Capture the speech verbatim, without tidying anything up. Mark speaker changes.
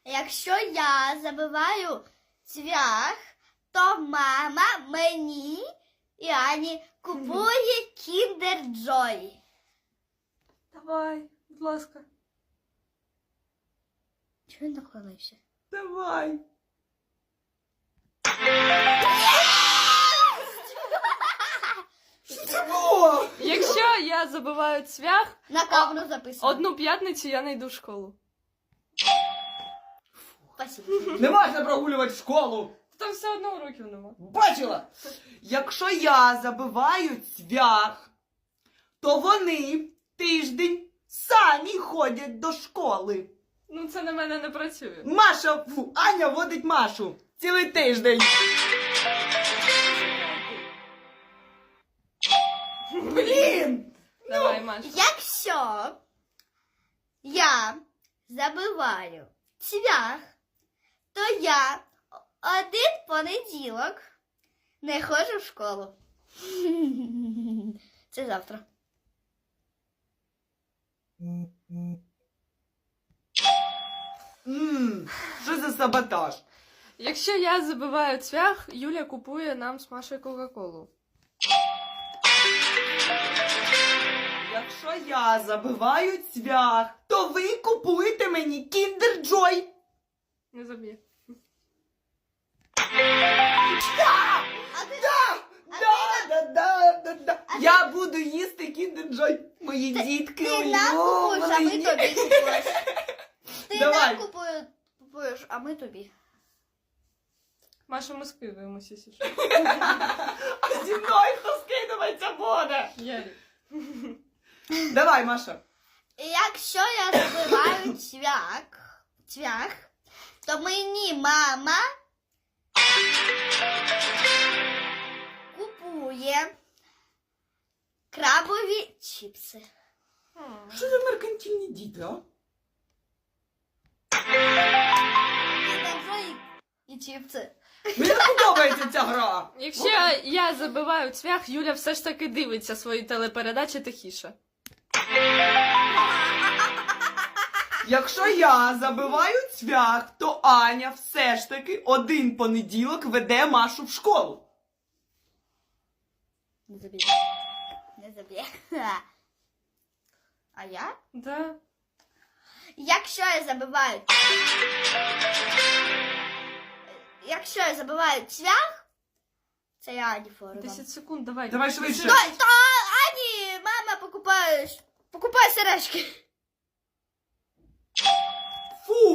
Speaker 1: Якщо я забиваю цвях, то мама мені і Ані купує Kinder Joy.
Speaker 2: Давай, будь ласка.
Speaker 1: Чого він наклонився?
Speaker 2: Давай. Що це було?
Speaker 3: Якщо я забиваю цвях,
Speaker 1: На камеру записано.
Speaker 3: одну п'ятницю я не йду в школу.
Speaker 1: Спасибо.
Speaker 2: Не можна прогулювати школу.
Speaker 3: Там все одно уроків нема.
Speaker 2: Бачила? Якщо я забиваю цвях, то вони тиждень самі ходять до школи.
Speaker 3: Ну це на мене не працює.
Speaker 2: Маша, фу, Аня водить Машу цілий тиждень. Блін!
Speaker 3: Давай, Маша.
Speaker 1: Якщо я забиваю цвях, то я один понеділок не ходжу в школу. Це завтра.
Speaker 2: Ммм, що за саботаж?
Speaker 3: Якщо я забиваю цвях, Юля купує нам з Машею Кока-Колу.
Speaker 2: Якщо я забиваю цвях, то ви купуєте мені Kinder Joy.
Speaker 3: Не заб'є.
Speaker 2: Да!
Speaker 1: А ти,
Speaker 2: Да! Да, да, да, да, да. Я буду їсти Kinder Joy. Мої дітки,
Speaker 1: ти
Speaker 2: ой,
Speaker 1: нам купуєш, а ми
Speaker 2: мої.
Speaker 1: тобі купуєш. Ти
Speaker 2: Давай.
Speaker 1: нам купуєш, купуєш, а ми тобі.
Speaker 3: Маша, ми скидуємося, якщо що.
Speaker 2: А зі мною хто скидуватися буде?
Speaker 3: Ярик.
Speaker 2: Давай, Маша.
Speaker 1: Якщо я забиваю цвях, цвях, то мені мама купує крабові чіпси.
Speaker 2: Що за меркантильні діти, а?
Speaker 1: І чіпси.
Speaker 2: Мені не подобається ця гра.
Speaker 3: Якщо я забиваю цвях, Юля все ж таки дивиться свої телепередачі тихіше.
Speaker 2: Якщо я забиваю цвях, то Аня все ж таки один понеділок веде Машу в школу.
Speaker 1: Не заб'є. Не заб'є. А я?
Speaker 3: Да.
Speaker 1: Якщо я забиваю... Якщо я забиваю цвях, це я Ані форма.
Speaker 3: десять секунд, давай.
Speaker 2: Давай швидше.
Speaker 1: Стой, то Ані, мама покупає, покупає сережки.